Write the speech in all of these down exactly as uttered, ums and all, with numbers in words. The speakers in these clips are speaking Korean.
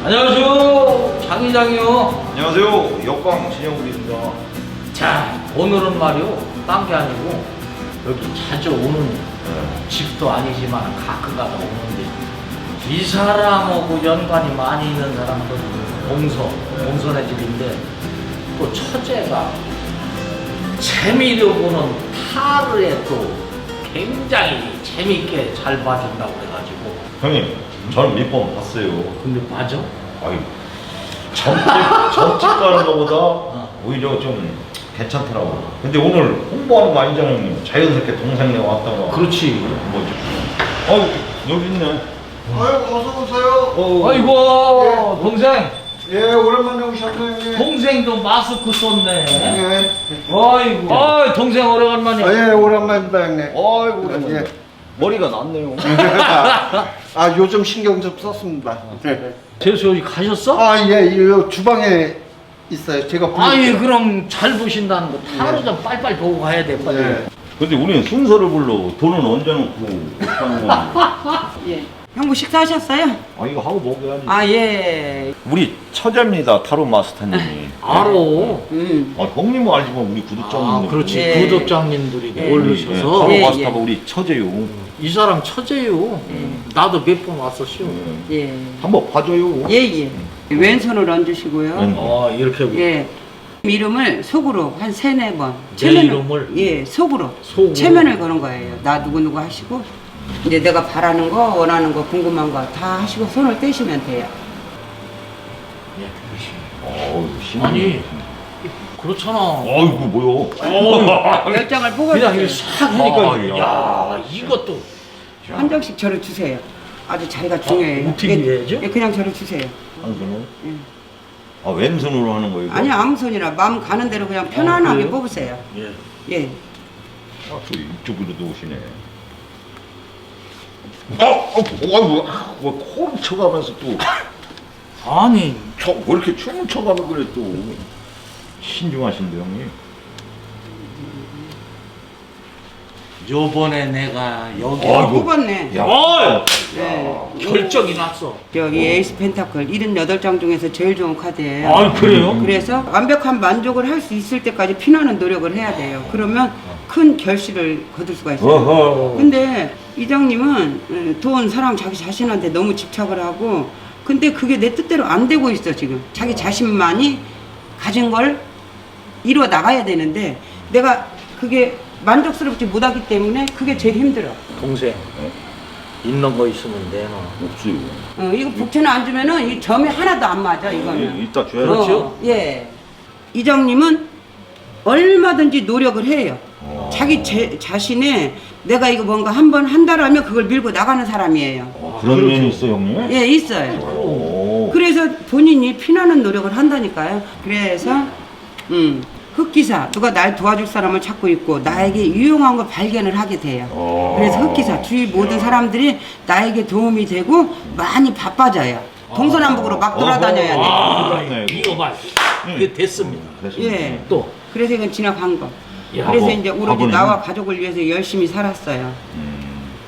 안녕하세요, 장 이장이요. 안녕하세요, 역광 진영욱입니다. 자, 오늘은 말이요, 딴 게 아니고 여기 자주 오는 네. 집도 아니지만 가끔가다 오는데 이 사람하고 연관이 많이 있는 사람들 봉서, 봉선의 집인데 또 처제가 재미로 보는 타르에 또 굉장히 재밌게 잘 봐준다고 그래가지고. 형님, 저는 몇 번 봤어요. 근데 맞아? 아유, 점집, 점집 가는 것보다 어. 오히려 좀 괜찮더라고. 근데 오늘 홍보하는 거 아니잖아요, 형님. 자연스럽게 동생네 왔다가. 그렇지. 뭐지? 아유, 여기 있네. 아유, 어서 오세요. 어, 아이고, 동생. 예, 오랜만에 오셨네요. 형님. 동생도 마스크 썼네. 예. 아이고. 아, 동생 오래간만이야. 아, 예, 오랜만입니다, 형님. 아이고, 예. 머리가 났네요. 아, 요즘 신경 좀 썼습니다. 네. 재수 여기 가셨어? 아, 예, 이 주방에 있어요. 제가 부르- 아예 그럼 잘 보신다는 거 하루 좀 빨빨 보고 가야 돼 빨리. 예. 근데 우리는 순서를 불러. 돈은 언제 놓고 어떻게 하는 건지. 예. 형부 식사하셨어요? 아, 이거 하고 먹어야지. 아, 예. 우리 처제입니다, 타로 마스터님이. 알아. 음. 아, 형님은 알지만 우리 구독자님들. 아 그렇지. 예. 구독자님들이 예. 모르셔서 타로 예, 마스터가 예. 우리 처제요. 이 사람 처제요. 나도 몇 번 왔었슈. 예. 한번 봐줘요. 예, 예. 왼손을 얹으시고요. 왼- 어 이렇게 예. 이름을 속으로 한 세네 번. 내 체면을- 이름을? 예, 속으로. 속으로? 체면을 거는 거예요. 나 누구누구 하시고. 이제 내가 바라는 거, 원하는 거, 궁금한 거 다 하시고 손을 떼시면 돼요. 어우, 신 아니 그렇잖아. 아이고, 뭐야. 열 장을 그냥 이렇게 뽑아주세요. 싹 하니까 아, 야 이것도 한 장씩 저를 주세요. 아주 자리가 중요해요. 어떻게 예, 해야죠? 예, 그냥 저를 주세요. 한 손으로? 예. 아, 왼손으로 하는 거예요? 아니, 아무 손이나 마음 가는 대로 그냥 편안하게 그래요? 뽑으세요. 예. 예. 아, 또 이쪽으로도 오시네. 어, 어, 아이고, 뭐, 코를 쳐가면서 또. 아니 쳐, 왜 이렇게 춤을 춰가면 그래, 또. 신중하신데, 형님. 요번에 내가 여기 어, 아이고. 뽑았네. 야, 어! 네. 결정이 났어. 여기 에이스 펜타클 칠십팔 장 중에서 제일 좋은 카드예요. 아 그래요? 그래서 완벽한 만족을 할 수 있을 때까지 피나는 노력을 해야 돼요. 그러면 큰 결실을 거둘 수가 있어요. 어허. 근데 이장님은 음, 돈, 사랑, 자기 자신한테 너무 집착을 하고 근데 그게 내 뜻대로 안 되고 있어 지금. 자기 자신만이 가진 걸 이루어 나가야 되는데 내가 그게 만족스럽지 못하기 때문에 그게 제일 힘들어. 동생 있는 거 있으면 내놔. 없어요. 어, 이거 복채는 안 주면은 이 점이 하나도 안 맞아 이거는. 예, 이따 줘야죠. 그렇죠? 어, 예. 이장님은 얼마든지 노력을 해요. 어. 자기 제, 자신의 내가 이거 뭔가 한 번 한다라면 그걸 밀고 나가는 사람이에요. 어, 그런 면이 있어, 형님? 예, 있어요. 오. 그래서 본인이 피나는 노력을 한다니까요. 그래서 음, 흑기사 누가 날 도와줄 사람을 찾고 있고 나에게 유용한 걸 발견을 하게 돼요. 어. 그래서 흑기사 주위 모든 사람들이 나에게 도움이 되고 많이 바빠져요. 동서남북으로 막 돌아다녀야 돼. 아 네. 이거 봐. 이게 됐습니다. 예. 또 그래서 이건 지나간 거. 야, 그래서 뭐, 이제 오로지 바보네. 나와 가족을 위해서 열심히 살았어요. 음.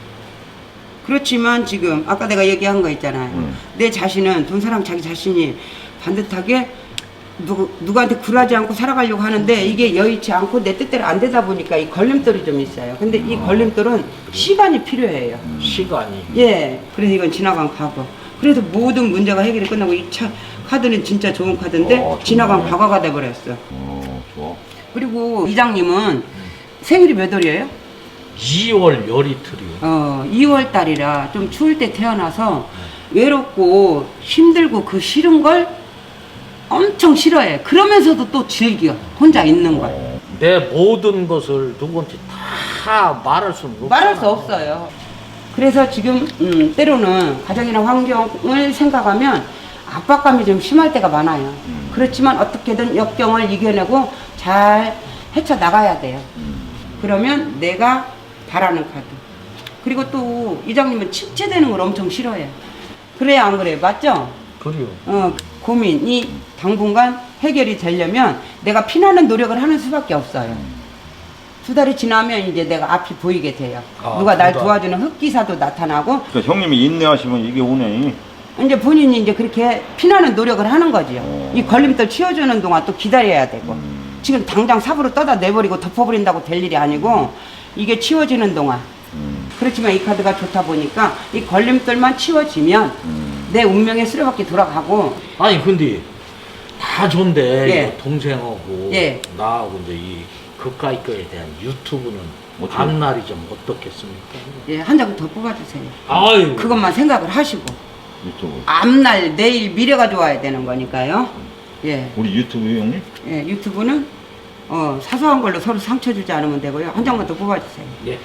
그렇지만 지금 아까 내가 얘기한 거 있잖아요. 음. 내 자신은 돈, 사랑, 자기 자신이 반듯하게 누구, 누구한테 굴하지 않고 살아가려고 하는데 이게 여의치 않고 내 뜻대로 안 되다 보니까 이 걸림돌이 좀 있어요. 근데 이 걸림돌은 시간이 필요해요. 시간이 예. 그래서 이건 지나간 과거. 그래서 모든 문제가 해결이 끝나고 이 차, 카드는 진짜 좋은 카드인데 어, 정말. 지나간 과거가 돼버렸어. 어, 좋아. 그리고 이장님은 생일이 몇 월이에요? 이월 열이틀이요. 어, 이월 달이라 좀 추울 때 태어나서 외롭고 힘들고 그 싫은 걸 엄청 싫어해. 그러면서도 또 즐겨. 혼자 있는 걸. 내 모든 것을 누구한테 다 말할 수는 없잖아. 말할 수 없어요. 그래서 지금 음, 때로는 가정이나 환경을 생각하면 압박감이 좀 심할 때가 많아요. 그렇지만 어떻게든 역경을 이겨내고 잘 헤쳐나가야 돼요. 그러면 내가 바라는 카드. 그리고 또 이장님은 침체되는 걸 엄청 싫어해요. 그래야 안 그래요? 맞죠? 그래요. 어, 고민이 당분간 해결이 되려면 내가 피나는 노력을 하는 수밖에 없어요. 두 달이 지나면 이제 내가 앞이 보이게 돼요. 아, 누가 날 두 달. 도와주는 흑기사도 나타나고 그러니까 형님이 인내하시면 이게 오네. 이제 본인이 이제 그렇게 피나는 노력을 하는 거지요. 어. 이 걸림돌 치워주는 동안 또 기다려야 되고. 음. 지금 당장 삽으로 떠다 내버리고 덮어버린다고 될 일이 아니고 이게 치워지는 동안. 음. 그렇지만 이 카드가 좋다 보니까 이 걸림돌만 치워지면 음. 내 운명의 수레바퀴 돌아가고. 아니 근데 다 좋은데 예. 이거 동생하고 예. 나하고 이제 이 그까이 거에 대한 유튜브는 어떻게? 앞날이 좀 어떻겠습니까? 예, 한 장 더 뽑아주세요. 아유 그것만 생각을 하시고 유튜브. 앞날 내일 미래가 좋아야 되는 거니까요. 예, 우리 유튜브 형님? 예 유튜브는 어, 사소한 걸로 서로 상처 주지 않으면 되고요. 한 장만 더 뽑아주세요. 예.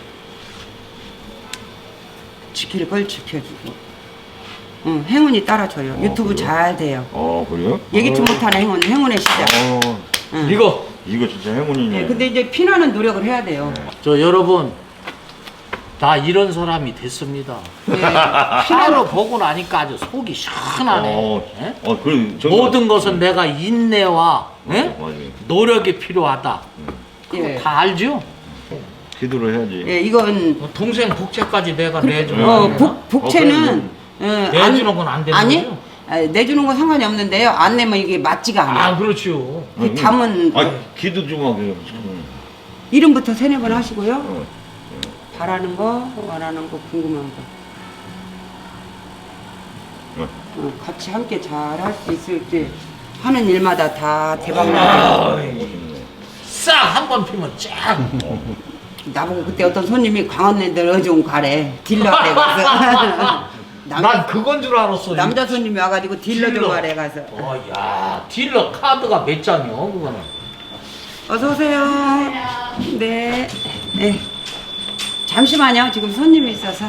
지킬 걸 지켜주고. 응, 행운이 따라줘요. 어, 유튜브 그래요? 잘 돼요. 어 그래요? 예기치 어. 못하는 행운, 행운의 시작. 어. 응. 이거 이거 진짜 행운이네. 예, 근데 이제 피나는 노력을 해야 돼요. 저 여러분 다 이런 사람이 됐습니다. 예, 피나로 보고 나니까 아주 속이 시원하네. 어, 예? 어, 그 모든 것은 내가 인내와 예? 맞아요. 노력이 필요하다. 그거 예. 다 알죠? 기도를 해야지. 예, 이건 동생 복채까지 내가 그- 내주는 어, 거야. 복, 복채는 어, 내주는 건 안 되는 아니, 거죠? 아, 내주는 건 상관이 없는데요. 안 내면 이게 맞지가 않아. 아 그렇죠. 그 담은 아, 기도 좀 하게요. 이름부터 세네 번 하시고요. 어. 바라는 거, 원하는 거, 궁금한 거. 어. 어, 같이 함께 잘 할 수 있을 때 하는 일마다 다 대박 아, 나요. 싹 한 번 피면 쫙. 나보고 그때 어떤 손님이 광안랜드 어좀 가래. 딜러 하래 가서. 난 그건 줄 알았어. 남자 손님이 와가지고 딜러 좀 딜러. 하래 가서. 어, 야, 딜러 카드가 몇 장이요, 그거는? 어서 오세요. 네. 네. 잠시만요. 지금 손님이 있어서.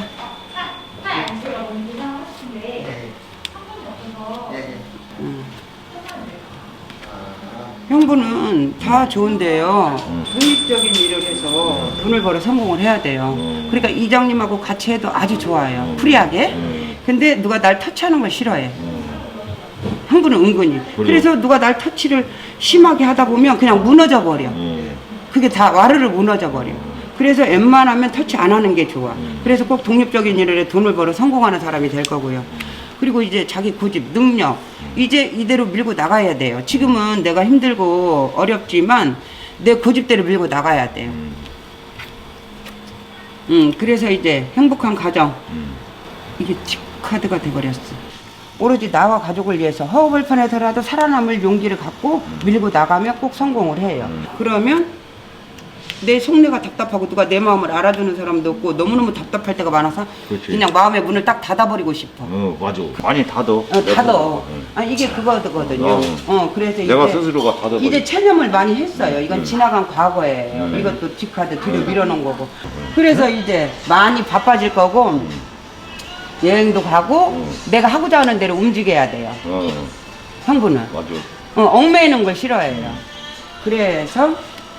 형부는 다 좋은데요. 독립적인 일을 해서 돈을 벌어 성공을 해야 돼요. 그러니까 이장님하고 같이 해도 아주 좋아요. 프리하게. 근데 누가 날 터치하는 걸 싫어해. 형부는 은근히. 그래서 누가 날 터치를 심하게 하다 보면 그냥 무너져 버려. 그게 다 와르르 무너져 버려. 그래서 웬만하면 터치 안 하는 게 좋아. 그래서 꼭 독립적인 일을 해 돈을 벌어 성공하는 사람이 될 거고요. 그리고 이제 자기 고집, 능력 이제 이대로 밀고 나가야 돼요. 지금은 내가 힘들고 어렵지만 내 고집대로 밀고 나가야 돼요. 음, 그래서 이제 행복한 가정 이게 틱카드가 돼버렸어. 오로지 나와 가족을 위해서 허허벌판에서라도 살아남을 용기를 갖고 밀고 나가면 꼭 성공을 해요. 그러면 내 속내가 답답하고 누가 내 마음을 알아주는 사람도 없고 너무너무 답답할 때가 많아서 그렇지. 그냥 마음의 문을 딱 닫아버리고 싶어. 어, 맞아. 많이 닫어. 어, 닫어. 아, 이게 그거거든요. 어. 어, 그래서 내가 이제 스스로가 닫아버려. 이제 체념을 많이 했어요. 이건 음. 지나간 과거예요. 음. 이것도 뒷카드 뒤로 밀어놓은 거고. 그래서 이제 많이 바빠질 거고 여행도 가고 내가 하고자 하는 대로 움직여야 돼요. 어, 형부는 맞아. 어, 얽매이는 걸 싫어해요. 그래서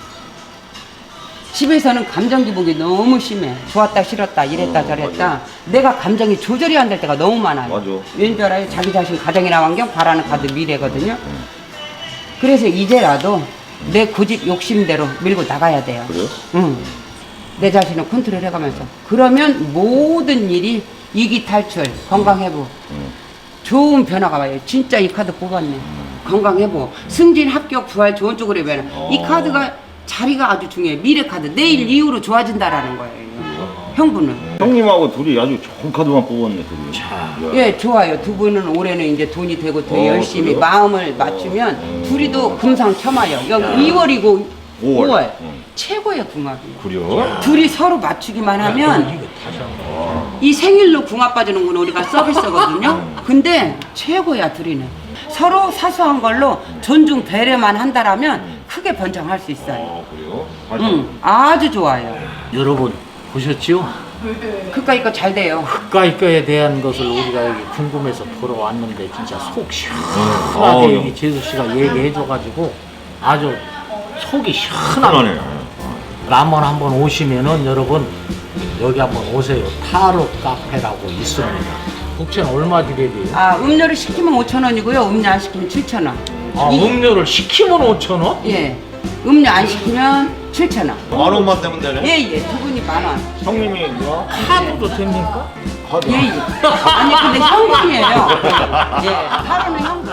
집에서는 감정 기복이 너무 심해. 좋았다 싫었다 이랬다 어, 저랬다. 맞아. 내가 감정이 조절이 안 될 때가 너무 많아요. 맞아. 왠줄 알아요? 자기 자신 가정이나 환경 바라는 카드 미래거든요. 그래서 이제라도 내 고집 욕심대로 밀고 나가야 돼요. 그래요? 응. 내 자신을 컨트롤 해가면서. 그러면 모든 일이 이기 탈출, 건강 회복, 응. 좋은 변화가 와요. 진짜 이 카드 뽑았네. 건강 회복, 승진, 합격, 부활, 좋은 쪽으로 변화. 이 어. 카드가 자리가 아주 중요해. 미래 카드. 내일 이후로 좋아진다라는 거예요. 형부는. 형님하고 둘이 아주 좋은 카드만 뽑았네, 둘이. 자. 야. 예, 좋아요. 두 분은 올해는 이제 돈이 되고 더 어, 열심히 그래요? 마음을 맞추면 어. 둘이도 금상첨화요. 여기 이월이고 오월. 오월. 응. 최고의 궁합이에요. 그래요? 둘이 서로 맞추기만 하면 이거 다시 한 번. 이 생일로 궁합 빠지는 건 우리가 서비스거든요. 근데 최고야 둘이는. 서로 사소한 걸로 존중 배려만 한다라면 크게 번창할 수 있어요. 어, 그래요? 응, 아주 좋아요. 여러분 보셨지요? 그까이 거 잘 돼요. 그까이 거에 대한 것을 우리가 여기 궁금해서 보러 왔는데 진짜 속 어, 시원하게 어, 이 재수 씨가 얘기해줘가지고 아주 속이 시원하네. 편하네. 남원 한번 오시면은 여러분 여기 한번 오세요. 타로 카페라고 있습니다. 복채는 얼마 드려야 돼요? 아, 음료를 시키면 오천 원이고요. 음료 안 시키면 칠천 원. 아, 이- 음료를 시키면 오천 원? 예. 음료 안 시키면 칠천 원. 만 원만 되면 되네? 예, 예. 두 분이 만 원. 형님이 뭐야? 카드도 됩니까? 허리. 예, 예. 아니 근데 현금이에요. 예, 타로는 현금.